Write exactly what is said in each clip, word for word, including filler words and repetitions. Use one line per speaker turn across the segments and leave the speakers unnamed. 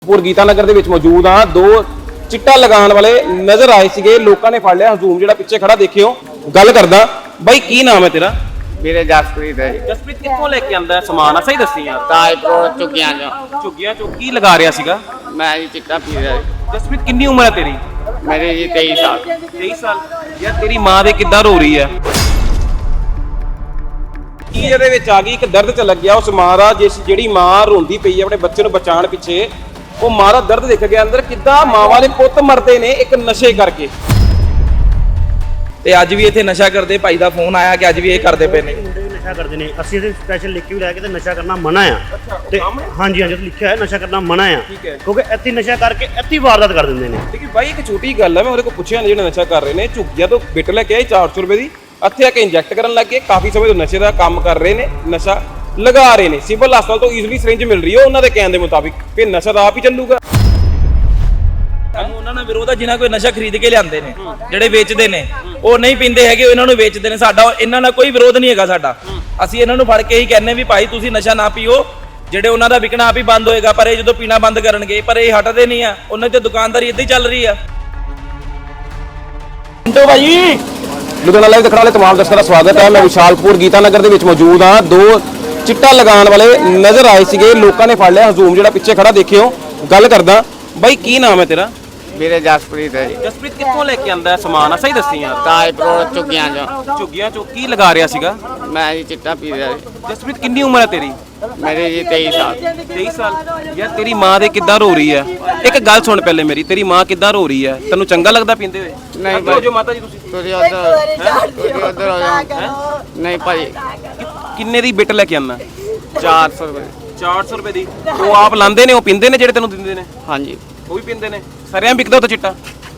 ਪੁਰ ਗੀਤਾ ਨਗਰ ਦੇ ਵਿੱਚ ਮੌਜੂਦ ਆ। ਦੋ ਚਿੱਟਾ ਲਗਾਉਣ ਵਾਲੇ ਨਜ਼ਰ ਆਏ ਸੀਗੇ, ਲੋਕਾਂ ਨੇ ਫੜ ਲਿਆ। ਹਜ਼ੂਮ ਜਿਹੜਾ ਪਿੱਛੇ ਖੜਾ ਦੇਖਿਓ। ਗੱਲ ਕਰਦਾ ਬਾਈ, ਕੀ ਨਾਮ ਹੈ ਤੇਰਾ?
ਮੇਰੇ ਜਸਪ੍ਰੀਤ ਹੈ।
ਜਸਪ੍ਰੀਤ ਕਿੱਥੋਂ ਲੈ ਕੇ ਆਂਦਾ ਸਮਾਨ ਆ? ਸਹੀ ਦੱਸੀ ਯਾਰ।
ਤਾਜਪੁਰ ਝੁੱਗੀਆਂ ਚੋਂ।
ਝੁੱਗੀਆਂ ਚੋਂ ਕੀ ਲਗਾ ਰਿਹਾ ਸੀਗਾ?
ਮੈਂ ਜੀ ਚਿੱਟਾ ਪੀ ਰਿਹਾ ਜੀ।
ਜਸਪ੍ਰੀਤ ਕਿੰਨੀ ਉਮਰ ਹੈ ਤੇਰੀ?
ਮੇਰੇ ਜੀ ਤੇਈ ਸਾਲ।
ਤੇਈ ਸਾਲ। ਯਾਰ ਤੇਰੀ ਮਾਂ ਦੇ ਕਿੱਦਾਂ ਰੋ ਰਹੀ ਹੈ? ਕੀ ਇਹਦੇ ਵਿੱਚ ਆ ਗਈ? ਇੱਕ ਦਰਦ ਚ ਲੱਗਿਆ ਉਸ ਮਾਂ ਦਾ, ਜਿਸ ਜਿਹੜੀ ਮਾਂ ਰੋਂਦੀ ਪਈ ਹੈ ਆਪਣੇ ਬੱਚੇ ਨੂੰ ਬਚਾਉਣ ਪਿੱਛੇ। ਉਹ ਮਾਂ ਦਾ ਦਰਦ ਦਿਖ ਗਿਆ ਅੰਦਰ, ਕਿੱਦਾਂ ਮਾਵਾਂ ਦੇ ਪੁੱਤ ਮਰਦੇ ਨੇ ਇੱਕ ਨਸ਼ੇ ਕਰਕੇ।
ਤੇ ਅੱਜ ਵੀ ਇੱਥੇ ਨਸ਼ਾ ਕਰਦੇ ਭਾਈ ਦਾ ਫੋਨ ਆਇਆ ਕਿ ਅੱਜ ਵੀ ਇਹ ਕਰਦੇ ਪਏ ਨੇ।
ਮੁੰਡੇ ਨਸ਼ਾ ਕਰਦੇ ਨੇ। ਅਸੀਂ ਇਹਦੇ ਸਪੈਸ਼ਲ ਲਿਖ ਕੇ ਵੀ ਲੈ ਕੇ ਤੇ ਨਸ਼ਾ ਕਰਨਾ ਮਨਾ ਆ। ਤੇ ਹਾਂਜੀ ਹਾਂਜੀ ਲਿਖਿਆ ਹੈ ਨਸ਼ਾ ਕਰਨਾ ਮਨਾ ਆ, ਕਿਉਂਕਿ ਇੱਥੇ ਨਸ਼ਾ ਕਰਕੇ ਇੱਥੇ ਵਾਰਦਾਤ ਕਰ ਦਿੰਦੇ ਨੇ।
ਲੇਕਿਨ ਬਾਈ ਇੱਕ ਛੋਟੀ ਗੱਲ ਹੈ, ਮੈਂ ਉਹਦੇ ਕੋਲ ਪੁੱਛਿਆ ਜਿਹੜੇ ਨਸ਼ਾ ਕਰ ਰਹੇ ਨੇ, ਝੁੱਗੀਆਂ ਤੋਂ ਬਿੱਟ ਲੈ ਕੇ ਆਏ ਚਾਰ ਸੌ ਰੁਪਏ ਦੀ, ਇੱਥੇ ਆ ਕੇ ਇੰਜੈਕਟ ਕਰਨ ਲੱਗ ਗਏ। ਕਾਫੀ ਸਮੇਂ ਤੋਂ ਨਸ਼ੇ ਦਾ ਕੰਮ ਕਰ ਰਹੇ ਨੇ, ਨਸ਼ਾ ਲਗਾ ਰਹੇ ਨੇ। ਸਿਵਲ ਹਸਪਤਾਲ ਤੋਂ ਈਜ਼ੀਲੀ ਸਿਰਿੰਜ ਮਿਲ ਰਹੀ ਹੈ ਉਹਨਾਂ ਦੇ ਕਹਿਣ ਦੇ ਮੁਤਾਬਿਕ, ਕਿ ਨਸ਼ਾ ਤਾਂ ਆਪ ਹੀ ਚੱਲੂਗਾ।
ਸਾਨੂੰ ਉਹਨਾਂ ਨਾਲ ਵਿਰੋਧ ਆ ਜਿਨ੍ਹਾਂ ਕੋਈ ਨਸ਼ਾ ਖਰੀਦ ਕੇ ਲਿਆਂਦੇ ਨੇ, ਜਿਹੜੇ ਵੇਚਦੇ ਨੇ। ਉਹ ਨਹੀਂ ਪੀਂਦੇ ਹੈਗੇ, ਇਹਨਾਂ ਨੂੰ ਵੇਚਦੇ ਨੇ। ਸਾਡਾ ਇਹਨਾਂ ਨਾਲ ਕੋਈ ਵਿਰੋਧ ਨਹੀਂ ਹੈਗਾ ਸਾਡਾ। ਅਸੀਂ ਇਹਨਾਂ ਨੂੰ ਫੜ ਕੇ ਹੀ ਕਹਿੰਨੇ ਵੀ ਭਾਈ ਤੁਸੀਂ ਨਸ਼ਾ ਨਾ ਪੀਓ, ਜਿਹੜੇ ਉਹਨਾਂ ਦਾ ਵਿਕਣਾ ਆਪ ਹੀ ਬੰਦ ਹੋਏਗਾ। ਪਰ ਇਹ ਜਦੋਂ ਪੀਣਾ ਬੰਦ ਕਰਨਗੇ, ਪਰ ਇਹ ਹਟਦੇ ਨਹੀਂ ਆ। ਉਹਨਾਂ ਦੀ ਦੁਕਾਨਦਾਰੀ ਇੱਦਾਂ ਹੀ ਚੱਲ ਰਹੀ ਆ।
ਮਿੰਟੋ ਭਾਈ, ਲੁਧਿਆਣਾ ਲਾਈਵ ਦੇਖਣ ਵਾਲੇ ਤਮਾਮ ਦਰਸ਼ਕਾਂ ਦਾ ਸਵਾਗਤ ਹੈ। ਮੈਂ ਵਿਸ਼ਾਲਪੁਰ ਗੀਤਾ ਨਗਰ ਦੇ ਵਿੱਚ ਮੌਜੂਦ ਹਾਂ। ਦੋ ਚਿੱਟਾ ਲਗਾਉਣ ਵਾਲੇ ਨਜ਼ਰ ਆਏ ਸੀਗੇ, ਲੋਕਾਂ ਨੇ ਫੜ ਲਿਆ। ਹਜ਼ੂਮ ਜਿਹੜਾ ਪਿੱਛੇ ਖੜਾ ਦੇਖਿਓ। ਗੱਲ ਕਰਦਾ ਬਾਈ, ਕੀ ਨਾਮ ਹੈ ਤੇਰਾ?
ਮੇਰੇ ਜਸਪ੍ਰੀਤ ਹੈ ਜੀ।
ਜਸਪ੍ਰੀਤ ਕਿੱਥੋਂ ਲੈ ਕੇ ਆਂਦਾ ਸਮਾਨ ਆ? ਸਹੀ ਦੱਸੀ ਯਾਰ।
ਤਾਜਪੁਰ ਝੁੱਗੀਆਂ ਚੋਂ।
ਝੁੱਗੀਆਂ ਚੋਂ ਕੀ ਲਗਾ ਰਿਹਾ ਸੀਗਾ?
ਮੈਂ ਜੀ ਚਿੱਟਾ ਪੀ ਰਿਹਾ ਜੀ।
ਜਸਪ੍ਰੀਤ ਕਿੰਨੀ ਉਮਰ ਹੈ ਤੇਰੀ?
ਮੇਰੇ ਜੀ ਤੇਈ ਸਾਲ।
ਤੇਈ ਸਾਲ। ਯਾਰ ਤੇਰੀ ਮਾਂ ਦੇ ਕਿੱਦਾਂ ਰੋ ਰਹੀ ਹੈ? ਇੱਕ ਗੱਲ ਸੁਣ ਪਹਿਲੇ ਮੇਰੀ, ਤੇਰੀ ਮਾਂ ਕਿੱਦਾਂ ਰੋ ਰਹੀ ਹੈ? ਤੈਨੂੰ ਚੰਗਾ ਲੱਗਦਾ ਪੀਂਦੇ ਹੋਏ?
ਨਹੀਂ
ਅੱਗੇ ਹੋ ਜਾਓ ਮਾਤਾ ਜੀ ਤੁਸੀਂ।
ਤੁਸੀਂ ਉਧਰ ਤੁਸੀਂ ਉਧਰ ਹੋ ਜਾਓ। ਨਹੀਂ ਭਾਜੀ,
ਕਿੰਨੇ ਦੀ ਬਿੱਟ ਲੈ ਕੇ ਆਂਦਾ?
ਚਾਰ ਸੌ ਰੁਪਏ।
ਚਾਰ ਸੌ ਰੁਪਏ ਦੀ। ਉਹ ਆਪ ਲਾਂਦੇ ਨੇ, ਉਹ ਪੀਂਦੇ ਨੇ ਜਿਹੜੇ ਤੈਨੂੰ ਦਿੰਦੇ ਨੇ?
ਹਾਂਜੀ।
ਉਹ ਵੀ ਪੀਂਦੇ ਨੇ। ਸਰਿਆਂ ਵਿਕਦਾ ਉਹ ਤਾਂ ਚਿੱਟਾ?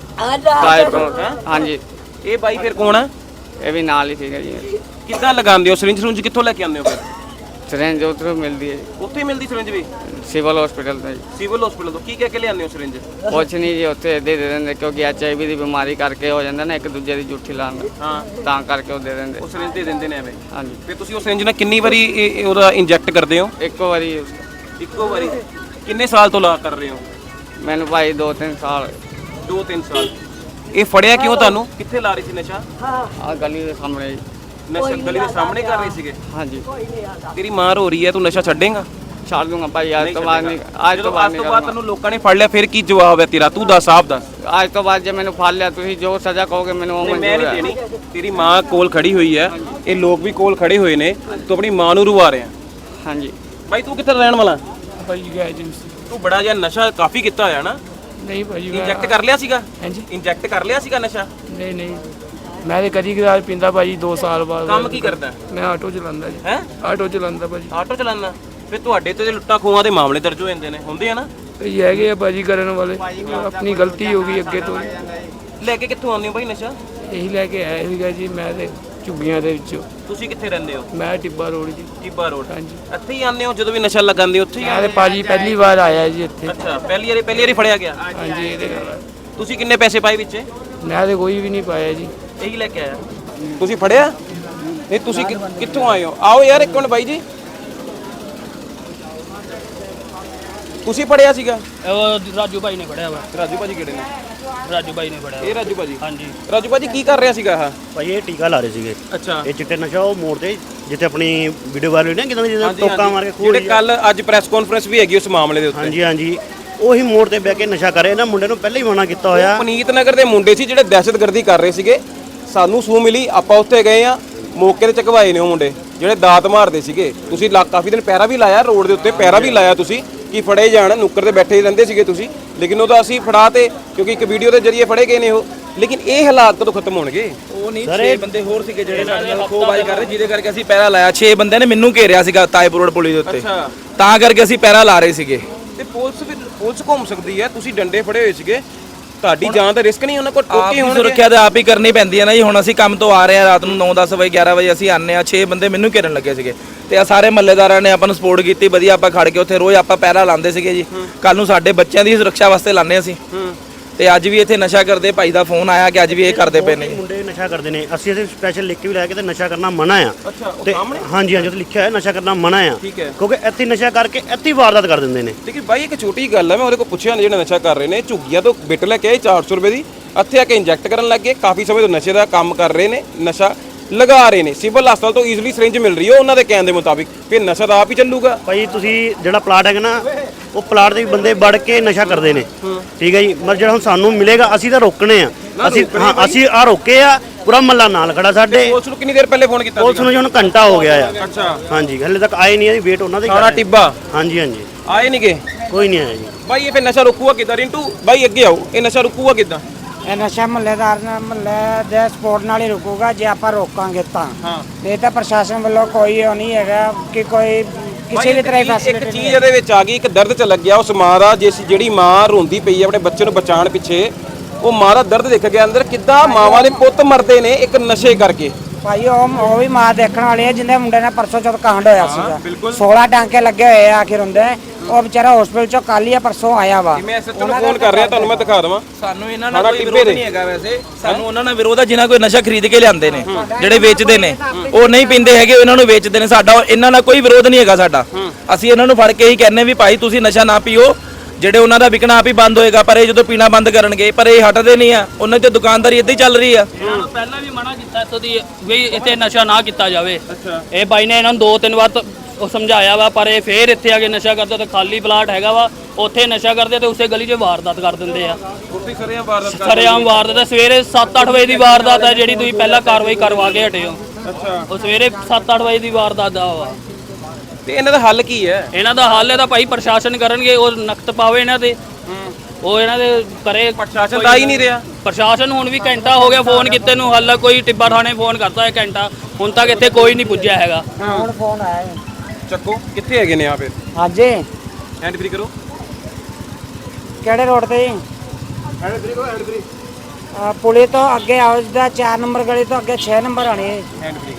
ਤਾਜਪੁਰ ਹਾਂਜੀ।
ਇਹ ਬਾਈ ਫਿਰ ਕੌਣ ਆ?
ਇਹ ਵੀ ਨਾਲ ਹੀ ਸੀਗਾ ਜੀ।
ਕਿੱਦਾਂ ਲਗਾਉਂਦੇ ਹੋ? ਸਿਰਿੰਜ ਸਰੁੰਜ ਕਿੱਥੋਂ ਲੈ ਕੇ ਆਉਂਦੇ ਹੋ ਫਿਰ?
ਸਿਰੰਜ ਉੱਧਰੋਂ ਮਿਲਦੀ ਹੈ ਜੀ,
ਉੱਥੇ ਹੀ ਮਿਲਦੀ ਸਿਰਿੰਜ ਵੀ?
ਸਿਵਲ ਹਸਪੀਟਲ ਤੋਂ ਜੀ।
ਸਿਵਲ ਹਸਪੀਟਲ ਤੋਂ ਕੀ ਕਹਿ ਕੇ ਲਿਆਉਂਦੇ ਹੋ ਸਿਰਿੰਜ?
ਕੁਛ ਨਹੀਂ ਜੀ, ਉੱਥੇ ਦੇ ਦੇ ਦਿੰਦੇ, ਕਿਉਂਕਿ ਐਚ ਆਈ ਵੀ ਦੀ ਬਿਮਾਰੀ ਕਰਕੇ ਹੋ ਜਾਂਦਾ ਨਾ ਇੱਕ ਦੂਜੇ ਦੀ ਜੂਠੀ ਲਾਉਣ ਦਾ।
ਹਾਂ,
ਤਾਂ ਕਰਕੇ ਉਹ ਦੇ ਦਿੰਦੇ।
ਉਹ ਸਿਰਿੰਜ ਦੇ ਦਿੰਦੇ ਨੇ ਐਵੇਂ?
ਹਾਂਜੀ।
ਫਿਰ ਤੁਸੀਂ ਉਹ ਸਿਰਿੰਜ ਨਾਲ ਕਿੰਨੀ ਵਾਰੀ ਇਹ- ਇਹ ਉਹਦਾ ਇੰਜੈਕਟ ਕਰਦੇ ਹੋ?
ਇੱਕੋ ਵਾਰੀ।
ਇੱਕੋ ਵਾਰੀ। ਕਿੰਨੇ ਸਾਲ ਤੋਂ ਲਾ ਕਰ ਰਹੇ ਹੋ?
ਮੈਨੂੰ ਭਾਈ ਦੋ ਤਿੰਨ ਸਾਲ।
ਦੋ ਤਿੰਨ ਸਾਲ। ਇਹ ਫੜਿਆ ਕਿਉਂ ਤੁਹਾਨੂੰ? ਕਿੱਥੇ ਲਾ ਰਹੀ ਸੀ ਨਸ਼ਾ?
ਆ ਗਲੀ ਦੇ ਸਾਹਮਣੇ ਜੀ।
ਨਸ਼ਾ ਗਲੀ ਦੇ ਸਾਹਮਣੇ ਕਰ ਰਹੇ ਸੀਗੇ?
ਹਾਂਜੀ।
ਤੇਰੀ ਮਾਂ ਰੋ ਰਹੀ ਹੈ, ਤੂੰ ਨਸ਼ਾ ਛੱਡੇਂਗਾ?
ਛੱਡ ਦੂੰਗਾ ਭਾਈ, ਅੱਜ ਤੋਂ ਬਾਅਦ ਨਹੀਂ। ਅੱਜ ਤੋਂ
ਜਦੋਂ
ਬਾਅਦ
ਅੱਜ ਤੋਂ
ਨਹੀਂ
ਬਾਅਦ ਤੈਨੂੰ ਲੋਕਾਂ ਨੇ ਫੜ ਲਿਆ, ਫਿਰ ਕੀ ਜਵਾਬ ਹੈ ਤੇਰਾ? ਤੂੰ ਦੱਸ, ਆਪ ਦੱਸ।
ਅੱਜ ਤੋਂ ਬਾਅਦ ਜੇ ਮੈਨੂੰ ਫੜ ਲਿਆ, ਤੁਸੀਂ ਜੋ ਸਜ਼ਾ ਕਹੋਗੇ ਮੈਨੂੰ ਉਹ
ਨਹੀਂ, ਮੈਂ
ਮਨਜ਼ੂਰ
ਨਹੀਂ
ਹੈ।
ਦੇਣੀ। ਤੇਰੀ ਮਾਂ ਕੋਲ ਖੜੀ ਹੋਈ ਹੈ, ਇਹ ਲੋਕ ਵੀ ਕੋਲ ਖੜੇ ਹੋਏ ਨੇ, ਤੂੰ ਆਪਣੀ ਮਾਂ ਨੂੰ ਰੁਵਾ ਰਿਹਾ।
ਹਾਂਜੀ।
ਬਾਈ ਤੂੰ ਕਿੱਥੇ ਰਹਿਣ ਵਾਲਾ?
ਭਾਜੀ ਗਿਆ ਏਜੰਸੀ।
ਤੂੰ ਬੜਾ ਜਿਹਾ ਨਸ਼ਾ ਕਾਫੀ ਕੀਤਾ ਹੋਇਆ ਨਾ?
ਨਹੀਂ ਭਾਜੀ ਮੈਂ-
ਇੰਜੈਕਟ ਕਰ ਲਿਆ ਸੀਗਾ?
ਹਾਂਜੀ।
ਇੰਜੈਕਟ ਕਰ ਲਿਆ ਸੀਗਾ ਨਸ਼ਾ?
ਨਹੀਂ ਨਹੀਂ ਮੈਂ ਤੇ ਕਦੀ ਕਦਾਰ ਪੀਂਦਾ ਭਾਜੀ, ਦੋ ਸਾਲ ਬਾਅਦ।
ਕੰਮ ਕੀ ਕਰਦਾ?
ਮੈਂ ਆਟੋ ਚਲਾਉਂਦਾ ਜੀ।
ਹੈ?
ਆਟੋ ਚਲਾਉਂਦਾ ਭਾਜੀ।
ਆਟੋ ਚਲਾਉਣਾ? ਫਿਰ ਤੁਹਾਡੇ ਤੇ ਲੁੱਟਾਂ ਖੋਹਾਂ ਦੇ ਮਾਮਲੇ ਦਰਜ ਹੋ ਜਾਂਦੇ ਨੇ, ਹੁੰਦੇ ਆ ਨਾ?
ਇਹ ਹੈਗੇ ਆ ਭਾਜੀ ਕਰਨ ਵਾਲੇ, ਆਪਣੀ ਗਲਤੀ ਹੋ ਗਈ ਅੱਗੇ ਤੋਂ।
ਲੈ ਕੇ ਕਿੱਥੋਂ ਆਉਂਦੇ ਹੋ ਬਾਈ ਨਸ਼ਾ?
ਇਹੀ ਲੈ ਕੇ ਆਇਆ ਸੀਗਾ ਜੀ ਮੈਂ ਤੇ ਝੁੱਗੀਆਂ ਦੇ ਵਿੱਚੋਂ।
ਤੁਸੀਂ ਕਿੱਥੇ ਰਹਿੰਦੇ ਹੋ?
ਮੈਂ ਟਿੱਬਾ ਰੋਡ ਜੀ।
ਟਿੱਬਾ ਰੋਡ।
ਹਾਂਜੀ।
ਇੱਥੇ ਹੀ ਆਉਂਦੇ ਹੋ ਜਦੋਂ ਵੀ ਨਸ਼ਾ ਲਗਾਉਂਦੇ ਹੋ? ਉੱਥੇ ਹੀ
ਮੈਂ ਤੇ ਭਾਜੀ ਪਹਿਲੀ ਵਾਰ ਆਇਆ ਜੀ ਇੱਥੇ।
ਅੱਛਾ, ਪਹਿਲੀ ਵਾਰੀ ਪਹਿਲੀ ਵਾਰੀ ਫੜਿਆ ਗਿਆ?
ਹਾਂਜੀ। ਇਹਦੇ ਨਾਲ
ਤੁਸੀਂ ਕਿੰਨੇ ਪੈਸੇ ਪਾਏ ਵਿੱਚ?
ਮੈਂ ਤੇ ਕੋਈ ਵੀ ਨਹੀਂ ਪਾਇਆ ਜੀ।
ਇਹੀ ਲੈ ਕੇ ਆਇਆ। ਤੁਸੀਂ ਫੜਿਆ? ਨਹੀਂ, ਤੁਸੀਂ ਕਿ- ਕਿੱਥੋਂ ਆਏ ਹੋ? ਆਓ ਯਾਰ ਇੱਕ ਮਿੰਟ ਬਾਈ ਜੀ। ਤੁਸੀਂ ਫੜਿਆ ਸੀਗਾ?
ਉਹ ਰਾਜੂ ਭਾਈ ਨੇ ਫੜਿਆ ਵਾ।
ਰਾਜੂ ਭਾਜੀ ਕਿਹੜੇ ਨੇ?
ਰਾਜੂ ਭਾਈ ਨੇ ਫੜਿਆ
ਇਹ ਰਾਜੂ ਭਾਜੀ?
ਹਾਂਜੀ।
ਰਾਜੂ ਭਾਜੀ ਕੀ ਕਰ ਰਿਹਾ ਸੀਗਾ? ਆਹ
ਭਾਈ ਇਹ ਟੀਕਾ ਲਾ ਰਹੇ ਸੀਗੇ।
ਅੱਛਾ।
ਇਹ ਚਿੱਟੇ ਨਸ਼ਾ ਉਹ ਮੋੜ ਤੇ ਜਿੱਥੇ ਆਪਣੀ ਵੀਡੀਓ ਵਾਇਰਲ ਹੋਈ ਨਾ, ਕਿਦਾਂ ਜਿਹਦਾ ਟੋਕਾ ਮਾਰ ਕੇ ਖੂਹ
ਜਿਹੜੇ ਕੱਲ ਅੱਜ ਪ੍ਰੈਸ ਕਾਨਫਰੰਸ ਵੀ ਹੈਗੀ ਉਸ ਮਾਮਲੇ ਦੇ ਉੱਤੇ।
ਹਾਂਜੀ ਹਾਂਜੀ ਉਹੀ ਮੋੜ ਤੇ ਬਹਿ ਕੇ ਨਸ਼ਾ ਕਰੇ। ਇਹਨਾਂ ਮੁੰਡੇ ਨੂੰ ਪਹਿਲਾਂ ਹੀ ਮਨਾ ਕੀਤਾ ਹੋਇਆ।
ਪਨੀਤ ਨਗਰ ਦੇ ਮੁੰਡੇ ਸੀ ਜਿਹੜੇ ਦਹਿਸ਼ਤਗਰਦੀ ਕਰ ਰਹੇ ਸੀਗੇ। ਸਾਨੂੰ ਸੂ ਮਿਲੀ, ਆਪਾਂ ਉੱਥੇ ਗਏ ਆ, ਮੌਕੇ ਤੇ ਚਕਵਾਏ ਨੇ ਉਹ ਮੁੰਡੇ ਜਿਹੜੇ ਦਾਤ ਮਾਰਦੇ ਸੀਗੇ। ਤੁਸੀਂ ਲਾ ਕਾਫੀ ਦਿਨ ਪੈਰਾ ਵੀ ਲਾਇਆ ਰੋਡ ਦੇ ਉੱਤੇ, ਪੈਰਾ ਵੀ ਲਾਇਆ ਤੁਸੀਂ ਕਿ ਫੜੇ ਜਾਣ। ਨੁੱਕਰ ਤੇ ਬੈਠੇ ਹੀ ਰਹਿੰਦੇ ਸੀਗੇ ਤੁਸੀਂ, ਲੇਕਿਨ ਉਹਦਾ ਅਸੀਂ ਫੜਾ ਤੇ, ਕਿਉਂਕਿ ਇੱਕ ਵੀਡੀਓ ਦੇ ਜ਼ਰੀਏ ਫੜੇ ਗਏ ਨੇ ਉਹ। ਲੇਕਿਨ ਇਹ ਹਾਲਾਤ ਕਦੋਂ ਖਤਮ ਹੋਣਗੇ?
ਉਹ ਨਹੀਂ, ਛੇ ਬੰਦੇ ਹੋਰ ਸੀਗੇ ਜਿਹੜੇ ਸਾਡੇ ਨਾਲ ਖੋਬਾਜ਼ੀ ਕਰ ਰਹੇ, ਜਿਹਦੇ ਕਰਕੇ ਅਸੀਂ ਪੈਰਾ ਲਾਇਆ। ਛੇ ਬੰਦੇ ਨੇ ਮੈਨੂੰ ਘੇਰਿਆ ਸੀਗਾ ਤਾਜਪੁਰ ਰੋਡ ਪੁਲਿਸ ਦੇ ਉੱਤੇ।
ਅੱਛਾ।
ਤਾਂ ਕਰਕੇ ਅਸੀਂ ਪੈਰਾ ਲਾ ਰਹੇ ਸੀਗੇ।
ਤੇ ਪੁਲਿਸ ਵੀ ਪੁਲਿਸ ਘੁੰਮ ਸਕਦੀ ਹੈ, ਤੁਸੀਂ ਡੰਡੇ ਫੜੇ ਹੋਏ ਸੀਗੇ, ਤੁਹਾਡੀ ਜਾਨ ਦਾ ਰਿਸਕ ਨਹੀਂ ਉਹਨਾਂ ਕੋਲ?
ਆਪ
ਟੋਕੇ
ਦੀ
ਹੋਣਗੇ।
ਸੁਰੱਖਿਆ ਤਾਂ ਆਪ ਹੀ ਕਰਨੀ ਪੈਂਦੀ ਹੈ ਨਾ ਜੀ। ਹੁਣ ਅਸੀਂ ਕੰਮ ਤੋਂ ਆ ਰਹੇ ਹਾਂ ਰਾਤ ਨੂੰ ਨੌ ਦਸ ਵਜੇ ਗਿਆਰਾਂ ਵਜੇ ਅਸੀਂ ਆਨੇ ਆ। ਛੇ ਬੰਦੇ ਮੈਨੂੰ ਘੇਰਨ ਲੱਗੇ ਸੀਗੇ ਤੇ ਆ ਸਾਰੇ ਮਹੱਲੇਦਾਰਾਂ ਨੇ ਆਪਾਂ ਨੂੰ ਸਪੋਰਟ ਕੀਤੀ ਵਧੀਆ। ਆਪਾਂ ਖੜ ਕੇ ਉੱਥੇ ਰੋਜ਼ ਆਪਾਂ ਪੈਰਾ ਲਾਉਂਦੇ ਸੀਗੇ ਜੀ। ਕੱਲ ਨੂੰ ਸਾਡੇ ਬੱਚਿਆਂ ਦੀ ਸੁਰੱਖਿਆ ਵਾਸਤੇ ਲਾਉਂਦੇ ਅਸੀਂ। ਤੇ ਅੱਜ ਵੀ ਇੱਥੇ ਨਸ਼ਾ ਕਰਦੇ ਭਾਈ ਦਾ ਫੋਨ ਆਇਆ ਕਿ ਅੱਜ ਵੀ ਇਹ ਕਰਦੇ ਪਏ ਨੇ।
ਮੁੰਡੇ ਨਸ਼ਾ ਕਰਦੇ ਨੇ, ਅਸੀਂ ਇਹਦੇ ਸਪੈਸ਼ਲ ਲਿਖ ਕੇ ਵੀ ਲੈ ਕੇ ਤੇ ਨਸ਼ਾ ਕਰਨਾ ਮਨਾ ਆ।
ਅੱਛਾ, ਉਹ
ਤੇ
ਸਾਹਮਣੇ?
ਹਾਂਜੀ ਹਾਂਜੀ, ਉਹ ਲਿਖਿਆ ਹੈ ਨਸ਼ਾ ਕਰਨਾ ਮਨਾ ਆ।
ਠੀਕ ਹੈ।
ਕਿਉਂਕਿ ਇੱਥੇ ਨਸ਼ਾ ਕਰਕੇ ਇੱਥੇ ਹੀ ਵਾਰਦਾਤ ਕਰ ਦਿੰਦੇ ਨੇ।
ਲੇਕਿਨ ਬਾਈ ਇੱਕ ਛੋਟੀ ਗੱਲ ਹੈ, ਮੈਂ ਉਹਦੇ ਕੋਲ ਪੁੱਛਿਆ ਜਿਹੜਾ ਨਸ਼ਾ ਕਰ ਰਹੇ ਨੇ, ਝੁੱਗੀਆਂ ਤੋਂ ਬਿੱਟ ਲੈ ਕੇ ਆਏ ਚਾਰ ਸੌ ਰੁਪਏ ਦੀ, ਇੱਥੇ ਆ ਕੇ ਇੰਜੈਕਟ ਕਰਨ ਲੱਗ ਗਏ। ਕਾਫੀ ਸਮੇਂ ਤੋਂ ਨਸ਼ੇ ਦਾ ਕੰਮ ਕਰ ਰਹੇ ਨੇ, ਨਸ਼ਾ ਲਗਾ ਰਹੇ ਨੇ, ਸਿਵਲ ਹਸਪਤਾਲ ਤੋਂ ਈਜ਼ੀਲੀ ਸਿਰਿੰਜ ਮਿਲ ਰਹੀ ਹੈ ਉਹਨਾਂ ਦੇ ਕਹਿਣ ਦੇ ਮੁਤਾਬਿਕ। ਫਿਰ ਨਸ਼ਾ ਤਾਂ ਆਪ ਹੀ ਚੱਲੂਗਾ।
ਭਾਈ ਤੁਸੀਂ ਜਿਹੜਾ ਪਲਾਟ ਹੈਗਾ ਨਾ, ਉਹ ਪਲਾਟ ਦੇ ਵੀ ਬੰਦੇ ਵੜ ਕੇ ਨਸ਼ਾ ਕਰਦੇ ਨੇ, ਠੀਕ ਹੈ ਜੀ। ਮਰ ਜਿਹੜਾ ਹੁਣ ਸਾਨੂੰ ਮਿਲੇਗਾ ਅਸੀਂ ਤਾਂ ਰੋਕਣੇ ਆ, ਅਸੀਂ ਹਾਂ ਅਸੀਂ ਆ ਰੋਕੇ ਆ, ਪੂਰਾ ਮੱਲਾ ਨਾਲ ਖੜਾ ਸਾਡੇ।
ਪੁਲਿਸ ਨੂੰ ਕਿੰਨੀ ਦੇਰ ਪਹਿਲੇ ਫੋਨ ਕੀਤਾ
ਪੁਲਿਸ ਨੂੰ ਜੀ ਹੁਣ ਘੰਟਾ ਹੋ ਗਿਆ ਆ।
ਅੱਛਾ,
ਹਾਂਜੀ, ਹਲੇ ਤੱਕ ਆਏ ਨਹੀਂ ਆ, ਵੇਟ ਉਹਨਾਂ ਦੇ
ਥਾਣਾ ਟਿੱਬਾ
ਹਾਂਜੀ ਹਾਂਜੀ,
ਆਏ ਨਹੀਂਗੇ
ਕੋਈ ਨਹੀਂ ਆਇਆ ਜੀ।
ਬਾਈ ਇਹ ਫਿਰ ਨਸ਼ਾ ਰੁਕੂਗਾ ਕਿੱਦਾਂ? ਰਿੰਟੂ ਬਾਈ ਅੱਗੇ ਆਓ, ਇਹ ਨਸ਼ਾ ਰੁਕੂਗਾ ਕਿੱਦਾਂ?
ਇਹ ਨਸ਼ਾ ਮਹੱਲੇਦਾਰ ਨਾਲ ਮਹੱਲੇ ਦੇ ਸਪੋਰਟ ਨਾਲ ਹੀ ਰੁਕੂਗਾ ਜੇ ਆਪਾਂ ਰੋਕਾਂਗੇ ਤਾਂ।
ਹਾਂ।
ਇਹ ਤਾਂ ਪ੍ਰਸ਼ਾਸਨ ਵੱਲੋਂ ਕੋਈ ਉਹ ਨਹੀਂ ਹੈਗਾ ਕਿ ਕੋਈ ਕਿਸੇ ਵੀ ਤਰ੍ਹਾਂ ਦੀ
ਇੱਕ
ਫੈਸਿਲਿਟੀ
ਚੀਜ਼ ਇਹਦੇ ਵਿੱਚ ਆ ਗਈ, ਇੱਕ ਦਰਦ ਚ ਲੱਗਿਆ ਉਸ ਮਾਂ ਦਾ, ਜਿਸ ਜਿਹੜੀ ਮਾਂ ਰੋਂਦੀ ਪਈ ਹੈ ਆਪਣੇ ਬੱਚੇ ਨੂੰ ਬਚਾਉਣ ਪਿੱਛੇ, ਉਹ ਮਾਂ ਦਾ ਦਰਦ ਦੇਖ ਗਿਆ ਅੰਦਰ, ਕਿੱਦਾਂ ਮਾਵਾਂ ਦੇ ਪੁੱਤ ਮਰਦੇ ਨੇ ਇੱਕ ਨਸ਼ੇ ਕਰਕੇ।
ਭਾਈ ਉਹ ਉਹ ਵੀ ਮਾਂ ਦੇਖਣ ਵਾਲੀ ਹੈ ਜਿੰਦੇ ਮੁੰਡੇ ਨਾਲ ਪਰਸੋਂ ਚੌਥ ਕਾਂਡ ਹੋਇਆ ਸੀਗਾ।
ਬਿਲਕੁਲ।
ਸੋਲਾਂ ਟਾਂਕੇ ਲੱਗੇ ਹੋਏ ਆ ਆਖਿਰ ਹੁੰਦੇ। ਉਹ ਵਿਚਾਰਾ ਹਸਪੀਟਲ ਚੋਂ ਕੱਲ ਹੀ ਪਰਸੋਂ ਆਇਆ ਵਾ।
ਮੈਂ ਐਸਐਚਓ ਨੂੰ ਫੋਨ ਕਰ ਰਿਹਾ, ਤੁਹਾਨੂੰ ਮੈਂ ਦਿਖਾ ਦਵਾਂ।
ਸਾਨੂੰ ਇਹਨਾਂ ਨਾਲ ਕੋਈ ਵਿਰੋਧ ਨਹੀਂ ਹੈਗਾ ਵੈਸੇ, ਸਾਨੂੰ ਉਹਨਾਂ ਨਾਲ ਵਿਰੋਧ ਆ ਜਿਨ੍ਹਾਂ ਕੋਈ ਨਸ਼ਾ ਖਰੀਦ ਕੇ ਲਿਆਂਦੇ ਨੇ, ਜਿਹੜੇ ਵੇਚਦੇ ਨੇ। ਉਹ ਨਹੀਂ ਪੀਂਦੇ ਹੈਗੇ, ਇਹਨਾਂ ਨੂੰ ਵੇਚਦੇ ਨੇ। ਸਾਡਾ ਇਹਨਾਂ ਨਾਲ ਕੋਈ ਵਿਰੋਧ ਨਹੀਂ ਹੈਗਾ ਸਾਡਾ। ਅਸੀਂ ਇਹਨਾਂ ਨੂੰ ਫੜ ਕੇ ਹੀ ਕਹਿੰਨੇ ਵੀ ਭਾਈ ਤੁਸੀਂ ਨਸ਼ਾ ਨਾ ਪੀਓ, ਜਿਹੜੇ ਉਹਨਾਂ ਦਾ ਵਿਕਣਾ ਆਪ ਹੀ ਬੰਦ ਹੋਏਗਾ। ਪਰ ਇਹ ਜਦੋਂ ਪੀਣਾ ਬੰਦ ਕਰਨਗੇ, ਪਰ ਇਹ ਹਟਦੇ ਨਹੀਂ ਆ, ਉਹਨਾਂ ਦੀ ਦੁਕਾਨਦਾਰੀ ਇੱਦਾਂ ਹੀ ਚੱਲ ਰਹੀ ਆ।
ਇਹਨਾਂ ਨੂੰ ਪਹਿਲਾਂ ਵੀ ਮਨਾ ਕੀਤਾ ਇੱਥੋਂ ਦੀ ਵੀ ਇੱਥੇ ਨਸ਼ਾ ਨਾ ਕੀਤਾ ਜਾਵੇ। ਇਹ ਬਾਈ ਨੇ ਇਹਨਾਂ ਨੂੰ ਦੋ ਤਿੰਨ ਵਾਰ ਤਾਂ ਉਹ ਸਮਝਾਇਆ ਵਾ, ਪਰ ਇਹ ਫੇਰ ਇੱਥੇ ਆ ਕੇ ਨਸ਼ਾ ਕਰਦੇ। ਤੇ ਖਾਲੀ ਪਲਾਟ ਹੈਗਾ ਵਾ, ਉੱਥੇ ਨਸ਼ਾ ਕਰਦੇ ਤੇ ਉਸੇ ਗਲੀ 'ਚ ਵਾਰਦਾਤ ਕਰ ਦਿੰਦੇ ਆ।
ਉੱਥੇ ਸਰਿਆਂ ਵਾਰਦਾਤ ਕਰ
ਸਰੇਆਮ ਵਾਰਦਾਤ ਹੈ। ਸਵੇਰੇ ਸੱਤ ਅੱਠ ਵਜੇ ਦੀ ਵਾਰਦਾਤ ਹੈ ਜਿਹੜੀ ਤੁਸੀਂ ਪਹਿਲਾਂ ਕਾਰਵਾਈ ਕਰਵਾ ਕੇ ਹਟੇ ਹੋ।
ਅੱਛਾ,
ਉਹ ਸਵੇਰੇ ਸੱਤ ਅੱਠ ਵਜੇ ਦੀ ਵਾਰਦਾਤ ਦਾ ਵਾ।
ਤੇ ਇਹਨਾਂ ਦਾ ਹੱਲ ਕੀ ਹੈ?
ਇਹਨਾਂ ਦਾ ਹੱਲ ਇਹਦਾ ਭਾਈ ਪ੍ਰਸ਼ਾਸਨ ਕਰਨਗੇ, ਉਹ ਨਖਤ ਪਾਵੇ ਇਹਨਾਂ ਤੇ, ਉਹ ਇਹਨਾਂ ਦੇ ਕਰੇ।
ਪ੍ਰਸ਼ਾਸਨ ਦਾ ਹੀ ਨਹੀਂ ਰਿਹਾ।
ਪ੍ਰਸ਼ਾਸਨ ਹੁਣ ਵੀ ਘੰਟਾ ਹੋ ਗਿਆ ਫੋਨ ਕੀਤੇ ਨੂੰ, ਹੱਲ ਕੋਈ ਟਿੱਬਾ ਥਾਣੇ ਫੋਨ ਕਰਤਾ ਹੈ ਘੰਟਾ, ਹੁਣ ਤੱਕ ਇੱਥੇ ਕੋਈ ਨਹੀਂ ਪੁੱਜਿਆ ਹੈਗਾ।
ਹੁਣ ਫੋਨ ਆਇਆ ਹੈ।
ਚੱਕੋ ਕਿੱਥੇ ਹੈਗੇ ਨੇ ਆ? ਫਿਰ
ਹਾਂਜੀ,
ਹੈਂਡ ਫ੍ਰੀ ਕਰੋ।
ਕਿਹੜੇ ਰੋਡ ਤੇ ਜੀ?
ਹੈਂਡ ਫ੍ਰੀ ਕਰੋ, ਹੈਂਡ ਫ੍ਰੀ।
ਅਹ ਪੁਲੀ ਤੋਂ ਅੱਗੇ ਆਓ, ਜਿੱਦਾਂ ਚਾਰ ਨੰਬਰ ਗਲੀ ਤੋਂ ਅੱਗੇ ਛੇ ਨੰਬਰ ਆਣੀ ਹੈ।
ਹੈਂਡ ਫ੍ਰੀ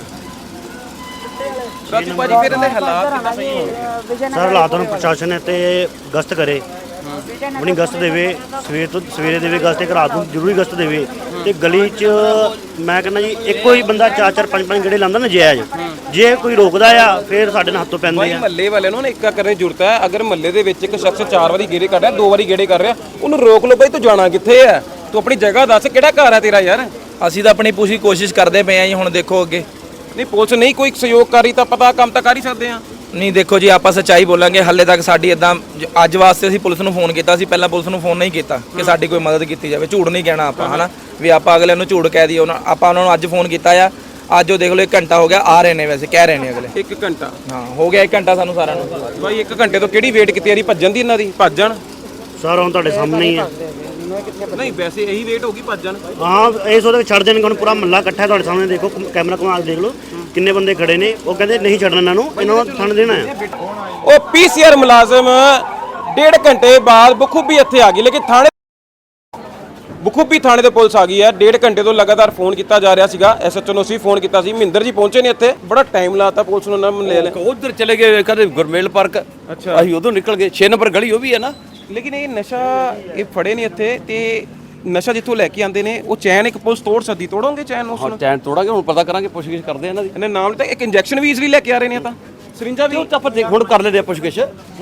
ਰਾਜੂ ਭਾਜੀ ਫਿਰ ਇਹਦੇ ਹਾਲਾਤ ਕਿੰਨਾ ਸਹੀ ਹੋਣਗੇ?
ਸਰ ਹਾਲਾਤਾਂ ਨੂੰ ਪ੍ਰਸ਼ਾਸਨ ਹੈ ਤੇ ਗਸ਼ਤ ਕਰੇ, ਆਪਣੀ ਗਸ਼ਤ ਦੇਵੇ, ਸਵੇਰ ਤੋਂ ਸਵੇਰੇ ਦੇਵੇ ਗਸ਼ਤ, ਇੱਕ ਰਾਤ ਨੂੰ ਜ਼ਰੂਰੀ ਗਸ਼ਤ ਦੇਵੇ। ਤੇ ਗਲੀ 'ਚ ਮੈਂ ਕਹਿੰਦਾ ਜੀ ਇੱਕੋ ਹੀ ਬੰਦਾ ਚਾਰ ਚਾਰ ਪੰਜ ਪੰਜ ਗੇੜੇ ਲਾਉਂਦਾ ਨਜਾਇਜ਼, ਜੇ ਕੋਈ ਰੋਕਦਾ ਆ ਫਿਰ ਸਾਡੇ ਨਾਲ ਹੱਥੋਂ ਪੈਂਦੇ
ਭਾਈ
ਆ।
ਮਹੱਲੇ ਵਾਲਿਆਂ ਨੂੰ ਨਾ ਇੱਕਾ ਕਰਨ ਦੀ ਜ਼ਰੂਰਤ ਹੈ। ਅਗਰ ਮਹੱਲੇ ਦੇ ਵਿੱਚ ਇੱਕ ਸ਼ਖਸ ਚਾਰ ਵਾਰੀ ਗੇੜੇ ਕਰ ਰਿਹਾ, ਦੋ ਵਾਰੀ ਗੇੜੇ ਕਰ ਰਿਹਾ, ਉਹਨੂੰ ਰੋਕ ਲਓ। ਬਈ ਤੂੰ ਜਾਣਾ ਕਿੱਥੇ ਹੈ? ਤੂੰ ਆਪਣੀ ਜਗ੍ਹਾ ਦੱਸ, ਕਿਹੜਾ ਘਰ ਹੈ ਤੇਰਾ ਯਾਰ?
ਅਸੀਂ ਤਾਂ ਆਪਣੀ ਪੂਰੀ ਕੋਸ਼ਿਸ਼ ਕਰਦੇ ਪਏ ਆ ਜੀ। ਹੁਣ ਦੇਖੋ ਅੱਗੇ
ਨਹੀਂ ਪੁਲਿਸ ਨਹੀਂ ਕੋਈ ਸਹਿਯੋਗ ਕਰ ਰਹੀ ਤਾਂ ਪਤਾ ਕੰਮ ਤਾਂ ਕਰ ਹੀ ਸਕਦੇ ਆ।
ਨਹੀਂ ਦੇਖੋ ਜੀ, ਆਪਾਂ ਸੱਚਾਈ ਬੋਲਾਂਗੇ। ਹਾਲੇ ਤੱਕ ਸਾਡੀ ਇਦਾਂ ਅੱਜ ਵਾਸਤੇ ਅਸੀਂ ਪੁਲਿਸ ਨੂੰ ਫੋਨ ਕੀਤਾ ਸੀ, ਪਹਿਲਾਂ ਪੁਲਿਸ ਨੂੰ ਫੋਨ ਨਹੀਂ ਕੀਤਾ ਕਿ ਸਾਡੀ ਕੋਈ ਮਦਦ ਕੀਤੀ ਜਾਵੇ। ਝੂਠ ਨਹੀਂ ਕਹਿਣਾ ਆਪਾਂ, ਹਨਾ ਵੀ ਆਪਾਂ ਅਗਲੇ ਨੂੰ ਝੂਠ ਕਹਿ ਦਈਏ। ਉਹਨਾਂ ਆਪਾਂ ਉਹਨਾਂ ਨੂੰ ਅੱਜ ਫੋਨ ਕੀਤਾ ਆ, ਅੱਜ ਉਹ ਦੇਖ ਲਓ ਇੱਕ ਘੰਟਾ ਹੋ ਗਿਆ, ਆ ਰਹੇ ਨੇ, ਵੈਸੇ ਕਹਿ ਰਹੇ ਨੇ ਅਗਲੇ।
ਇੱਕ ਘੰਟਾ
ਹਾਂ ਹੋ ਗਿਆ, ਇੱਕ ਘੰਟਾ ਸਾਨੂੰ ਸਾਰਿਆਂ ਨੂੰ।
ਭਾਈ ਇੱਕ ਘੰਟੇ ਤੋਂ ਕਿਹੜੀ ਵੇਟ ਕੀਤੀ ਯਾਰੀ ਭੱਜਣ ਦੀ? ਇਹਨਾਂ ਦੀ ਭੱਜ ਜਾਣ।
ਸਰ ਹੁਣ ਤੁਹਾਡੇ ਸਾਹਮਣੇ ਹੀ ਆ।
ਨਹੀਂ ਵੈਸੇ ਇਹੀ ਵੇਟ ਹੋਗੀ ਭੱਜ ਜਾਣ।
ਹਾਂ ਇਸ ਉਹਦੇ ਛੱਡ ਦੇਣਗੇ। ਹੁਣ ਪੂਰਾ ਮਹੱਲਾ ਇਕੱਠਾ ਤੁਹਾਡੇ ਸਾਹਮਣੇ, ਦੇਖੋ ਕੈਮਰਾ ਘੁਮਾ ਕੇ ਦੇਖ ਲਓ ਕਿੰਨੇ ਬੰਦੇ ਖੜੇ ਨੇ। ਉਹ ਕਹਿੰਦੇ ਨਹੀਂ ਛੱਡਣਾ ਇਹਨਾਂ ਨੂੰ, ਇਹਨਾਂ ਨੂੰ ਥਣ ਦੇਣਾ ਆ।
ਉਹ ਪੀਸੀਆਰ ਮੁਲਾਜ਼ਮ ਡੇਢ ਘੰਟੇ ਬਾਅਦ ਬਖੂਬੀ ਇੱਥੇ ਆ ਗਈ, ਲੇਕਿਨ ਥਾਣੇ ਬਖੂਬੀ ਥਾਣੇ ਤੇ ਪੁਲਿਸ ਆ ਗਈ ਹੈ। ਡੇਢ ਘੰਟੇ ਤੋਂ ਲਗਾਤਾਰ ਫੋਨ ਕੀਤਾ ਜਾ ਰਿਹਾ ਸੀਗਾ। ਐਸਐਚਓ ਨੂੰ ਅਸੀਂ ਫੋਨ ਕੀਤਾ ਸੀ, ਮਹਿੰਦਰ ਜੀ ਪਹੁੰਚੇ ਨੇ ਇੱਥੇ, ਬੜਾ ਟਾਈਮ ਲਾਤਾ ਪੁਲਿਸ ਨੂੰ ਨਾ ਲੈ ਲੈ।
ਉਧਰ ਚਲੇ ਗਏ ਕਦੇ ਗੁਰਮੇਲ ਪਾਰਕ।
ਅੱਛਾ,
ਅਸੀਂ ਉਧਰ ਨਿਕਲ ਗਏ, ਛੇ ਨੰਬਰ ਗਲੀ ਉਹ ਵੀ ਹੈ ਨਾ।
ਲੇਕਿਨ ਇਹ ਨਸ਼ਾ ਇਹ ਫੜੇ ਨੇ ਇੱਥੇ, ਤੇ ਨਸ਼ਾ ਜਿੱਥੋਂ ਲੈ ਕੇ ਆਉਂਦੇ ਨੇ ਉਹ ਚੈਨ ਇੱਕ ਪੁਲਿਸ ਤੋੜ ਸਕਦੀ। ਤੋੜੋਗੇ ਚੈਨ ਉਸ
ਹਾਂ
ਨੂੰ?
ਟੈਨ ਤੋੜਾਂਗੇ, ਹੁਣ ਪਤਾ ਕਰਾਂਗੇ, ਪੁੱਛਗਿੱਛ ਕਰਦੇ ਆ ਇਹਨਾਂ ਦੀ।
ਇਹਨੇ ਨਾਮ ਤਾਂ ਇੱਕ ਇੰਜੈਕਸ਼ਨ ਵੀ ਈਜ਼ੀਲੀ ਲੈ ਕੇ ਆ ਰਹੇ ਨੇ। ਤਾਂ ਸਰਿੰਜਾ ਵੀ
ਉਹ ਤਾਂ ਆਪਾਂ ਦੇਖ ਹੁਣ ਕਰ ਲੈਦੇ ਆ ਪੁੱਛਗਿੱਛ।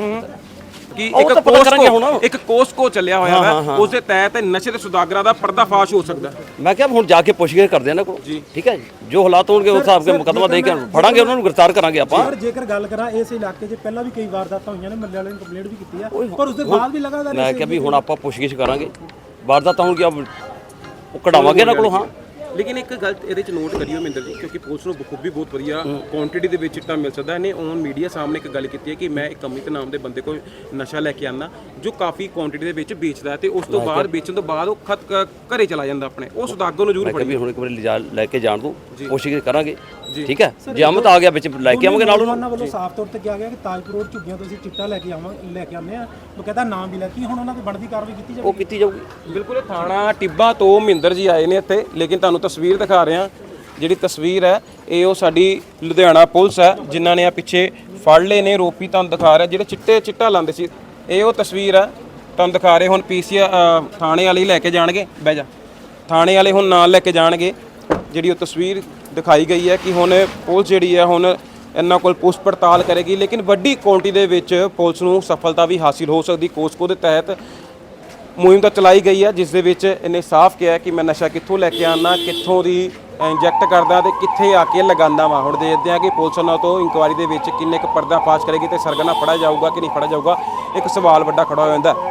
ਕਿ
ਉਹ
ਇੱਕ
ਤਾਂ ਪਤਾ ਕਰਾਂਗੇ ਹੁਣ।
ਕੋਸਕੋ ਇੱਕ ਕੋਸਕੋ ਚੱਲਿਆ ਹੋਇਆ ਹੈ, ਉਸ ਦੇ ਤਹਿਤ ਨਸ਼ੇ ਦੇ ਸੁਦਾਗਰਾਂ ਦਾ ਪਰਦਾਫਾਸ਼ ਹੋ ਸਕਦਾ।
ਮੈਂ ਕਿਹਾ ਹੁਣ ਜਾ ਕੇ ਪੁੱਛਗਿੱਛ ਕਰਦੇ ਆ ਇਹਨਾਂ ਕੋਲ। ਠੀਕ ਹੈ ਜੀ, ਜੋ ਹਾਲਾਤ ਹੋਣਗੇ ਉਸ ਹਿਸਾਬ ਕੇ ਮੁਕੱਦਮਾ ਦੇ ਕੇ ਫੜਾਂਗੇ, ਉਹਨਾਂ ਨੂੰ ਗ੍ਰਿਫਤਾਰ ਕਰਾਂਗੇ ਆਪਾਂ।
ਪਰ ਜੇਕਰ ਗੱਲ ਕਰਾਂ ਇਸ ਇਲਾਕੇ 'ਚ ਪਹਿਲਾਂ ਵੀ ਕਈ ਵਾਰਦਾਤਾਂ ਹੋਈਆਂ ਨੇ, ਮੱਲੇ ਵਾਲਿਆਂ ਨੇ ਕੰਪਲੇਂਟ ਵੀ ਕੀਤੀ ਆ, ਪਰ ਉਸ ਦੇ ਬਾਅਦ ਵੀ ਲਗਾਤਾਰ
ਮੈਂ ਕਿਹਾ ਵੀ ਹੁਣ ਆਪਾਂ ਪੁੱਛਗਿੱਛ ਕਰਾਂਗੇ, ਵਾਰਦਾਤਾਂ ਹੋਣਗੀਆਂ ਉਹ ਕਢਾਵਾਂਗੇ ਇਹਨਾਂ ਕੋਲੋਂ। ਹਾਂ
ਲੇਕਿਨ ਇੱਕ ਗੱਲ ਇਹਦੇ ਚ ਨੋਟ ਕਰਿਓ ਮਹਿੰਦਰ ਜੀ, ਕਿਉਂਕਿ ਪੁਲਿਸ ਨੂੰ ਬਖੂਬੀ ਬਹੁਤ ਵਧੀਆ ਕੁਆਂਟੀਟੀ ਦੇ ਵਿੱਚ ਚਿੱਟਾ ਮਿਲ ਸਕਦਾ। ਇਹਨੇ ਔਨ ਮੀਡੀਆ ਸਾਹਮਣੇ ਇੱਕ ਗੱਲ ਕੀਤੀ ਹੈ ਕਿ ਮੈਂ ਇੱਕ ਅਮਿਤ ਨਾਮ ਦੇ ਬੰਦੇ ਕੋਲ ਨਸ਼ਾ ਲੈ ਕੇ ਆਉਂਦਾ ਜੋ ਕਾਫੀ ਕੁਆਂਟੀਟੀ ਦੇ ਵਿੱਚ ਵੇਚਦਾ ਹੈ, ਤੇ ਉਸ ਤੋਂ ਬਾਅਦ ਵੇਚਣ ਤੋਂ ਬਾਅਦ ਉਹ ਖਤ ਘਰੇ ਚਲਾ ਜਾਂਦਾ ਆਪਣੇ। ਉਹ ਸੁਦਾਗਰ ਨੂੰ ਜ਼ਰੂਰ
ਮੈਂ ਕਿਹਾ ਵੀ
ਫੜੀ।
ਹੁਣ ਇੱਕ ਵਾਰੀ ਲਿਜਾ ਲੈ ਕੇ ਜਾਣ ਦੋ, ਕੋਸ਼ਿਸ਼ ਕਰਾਂਗੇ। ਠੀਕ ਹੈ, ਜੇ ਅਮਤ ਆ ਗਿਆ ਵਿੱਚ ਲੈ ਕੇ ਆਵਾਂਗੇ ਨਾਲ ਉਹਨੂੰ।
ਉਹਨਾਂ ਵੱਲੋਂ ਸਾਫ਼ ਤੌਰ ਤੇ ਕਿਹਾ ਗਿਆ ਕਿ ਤਾਜਪੁਰ ਰੋਡ ਝੁੱਗੀਆਂ ਤੋਂ ਅਸੀਂ ਚਿੱਟਾ ਲੈ ਕੇ ਆਵਾਂ ਲੈ ਕੇ ਆਉਂਦੇ ਆ, ਬਕਾਇਦਾ ਨਾਮ ਵੀ ਲੈ ਕੇ ਹੁਣ ਉਹਨਾਂ ਤੇ ਬਣਦੀ ਕਾਰਵਾਈ ਕੀਤੀ ਜਾਵੇ।
ਉਹ ਕੀਤੀ ਜਾਊਗੀ।
ਬਿਲਕੁਲ ਇਹ ਥਾਣਾ ਟਿੱਬਾ ਤੋਂ ਮਹਿੰਦਰ ਜੀ ਆਏ ਨੇ ਇੱਥੇ, ਲੇਕਿਨ ਤੁਹਾਨੂੰ ਤਸਵੀਰ ਦਿਖਾ ਰਹੇ ਹਾਂ। ਜਿਹੜੀ ਤਸਵੀਰ ਹੈ ਇਹ ਉਹ ਸਾਡੀ ਲੁਧਿਆਣਾ ਪੁਲਿਸ ਹੈ ਜਿਨ੍ਹਾਂ ਨੇ ਆ ਪਿੱਛੇ ਫੜ ਲਏ ਨੇ ਰੋਪੀ। ਤੁਹਾਨੂੰ ਦਿਖਾ ਰਿਹਾ ਜਿਹੜੇ ਚਿੱਟੇ ਚਿੱਟਾ ਲਾਉਂਦੇ ਸੀ, ਇਹ ਉਹ ਤਸਵੀਰ ਹੈ ਤੁਹਾਨੂੰ ਦਿਖਾ ਰਹੇ ਹੁਣ ਪੀਸੀ ਥਾਣੇ ਵਾਲੇ ਹੀ ਲੈ ਕੇ ਜਾਣਗੇ। ਬਹਿ ਜਾ। ਥਾਣੇ ਵਾਲੇ ਹੁਣ ਨਾਲ ਲੈ ਕੇ ਜਾਣਗੇ। ਜਿਹੜੀ ਉਹ ਤਸਵੀਰ ਦਿਖਾਈ ਗਈ ਹੈ ਕਿ ਹੁਣ ਪੁਲਿਸ ਜਿਹੜੀ ਹੈ ਹੁਣ ਇਹਨਾਂ ਕੋਲ ਪੁੱਛ ਪੜਤਾਲ ਕਰੇਗੀ, ਲੇਕਿਨ ਵੱਡੀ ਕੁਆਂਟੀਟੀ ਦੇ ਵਿੱਚ ਪੁਲਿਸ ਨੂੰ ਸਫਲਤਾ ਵੀ ਹਾਸਿਲ ਹੋ ਸਕਦੀ। ਕੋਸਕੋ ਦੇ ਤਹਿਤ ਮੁਹਿੰਮ ਤਾਂ ਚਲਾਈ ਗਈ ਹੈ, ਜਿਸ ਦੇ ਵਿੱਚ ਇਹਨੇ ਸਾਫ਼ ਕਿਹਾ ਕਿ ਮੈਂ ਨਸ਼ਾ ਕਿੱਥੋਂ ਲੈ ਕੇ ਆਉਣਾ, ਕਿੱਥੋਂ ਦੀ ਇੰਜੈਕਟ ਕਰਦਾ ਤੇ ਕਿੱਥੇ ਆ ਕੇ ਲਗਾਉਂਦਾ ਵਾਂ। ਹੁਣ ਦੇਖਦੇ ਹਾਂ ਕਿ ਪੁਲਿਸ ਉਹਨਾਂ ਤੋਂ ਇਨਕੁਆਇਰੀ ਦੇ ਵਿੱਚ ਕਿੰਨੇ ਕੁ ਪਰਦਾ ਫਾਸ਼ ਕਰੇਗੀ ਤੇ ਸਰਗਨਾ ਫੜਿਆ ਜਾਊਗਾ ਕਿ ਨਹੀਂ ਫੜਿਆ ਜਾਊਗਾ। ਇੱਕ ਸਵਾਲ ਵੱਡਾ ਖੜਾ ਹੋ ਜਾਂਦਾ।